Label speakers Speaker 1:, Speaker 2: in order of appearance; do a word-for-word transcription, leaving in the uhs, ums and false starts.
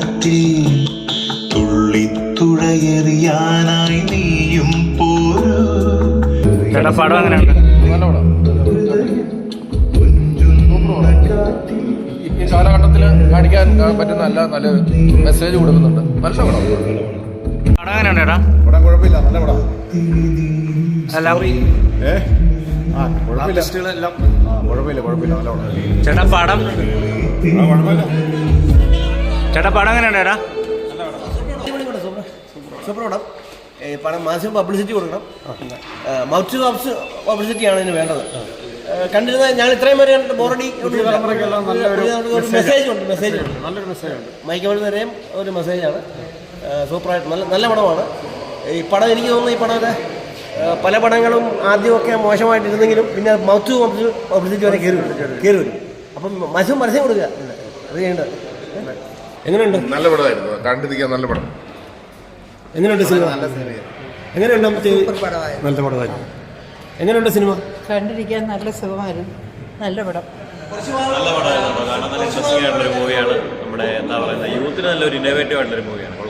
Speaker 1: കാറ്റിൽ തുള്ളിത്തുഴയെറിയാനായി നീയും പോരൂ.
Speaker 2: പടം അങ്ങനെയുണ്ട്.
Speaker 3: ഈ കാലഘട്ടത്തിൽ കാണിക്കാൻ പറ്റുന്ന നല്ല നല്ല മെസ്സേജ് കൊടുക്കുന്നുണ്ട്. നല്ല പടം.
Speaker 2: പടം എങ്ങനെയുണ്ട് ചേട്ടാ?
Speaker 3: പടം കുഴപ്പമില്ല, നല്ല പടം.
Speaker 2: എല്ലാം
Speaker 3: ഏ ആ കുഴപ്പമില്ല, കുഴപ്പമില്ല കുഴപ്പമില്ല നല്ല പടം.
Speaker 2: ചേട്ടാ പടം
Speaker 3: കുഴപ്പമില്ല.
Speaker 2: ചേട്ടാ പടം എങ്ങനെയുണ്ട് ചേട്ടാ?
Speaker 4: സൂപ്പർ പടം. പടം മാക്സിമം പബ്ലിസിറ്റി കൊടുക്കണം. മൗത്ത് ടു മൗത്ത് പബ്ലിസിറ്റിയാണ് ഇതിന് വേണ്ടത്. കണ്ടിരുന്ന ഞാൻ ഇത്രയും വരെ ബോറടി മെസ്സേജ് ഉണ്ട് മെസ്സേജ് ഉണ്ട് നല്ലൊരു മെസ്സേജ് ഉണ്ട്. മൈക്കോളിൽ വരെയും ഒരു മെസ്സേജാണ്. സൂപ്പറായിട്ട് നല്ല നല്ല പടമാണ് ഈ പടം. എനിക്ക് തോന്നുന്നു ഈ പടത്തെ പല പടങ്ങളും ആദ്യമൊക്കെ മോശമായിട്ടിരുന്നെങ്കിലും പിന്നെ മൗത്ത് ടു മൗത്ത് പബ്ലിസിറ്റി വരെ കയറി വരും കയറി വരും അപ്പം മാക്സിമം പരസ്യം കൊടുക്കുക. അത് ചെയ്യേണ്ടത്. എങ്ങനെയുണ്ട്?
Speaker 3: നല്ല പടമായിരുന്നു, കണ്ടിരിക്കാൻ നല്ല പടം.
Speaker 4: എങ്ങനെയുണ്ട് സിനിമ? എങ്ങനെയുണ്ട്? നല്ല പടമായിരുന്നു. എങ്ങനെയുണ്ട് സിനിമ?
Speaker 5: കണ്ടിരിക്കാൻ നല്ല സുഖമായിരുന്നു. നല്ല പടം.
Speaker 6: നല്ല പടമായിരുന്നു. കാരണം നല്ല ഇൻട്രസ്റ്റിംഗ് ആയിട്ടുള്ളൊരു മൂവിയാണ്. നമ്മുടെ എന്താ പറയുക, യൂത്തിന് നല്ലൊരു ഇന്നോവേറ്റീവ് ആയിട്ടുള്ളൊരു മൂവിയാണ്.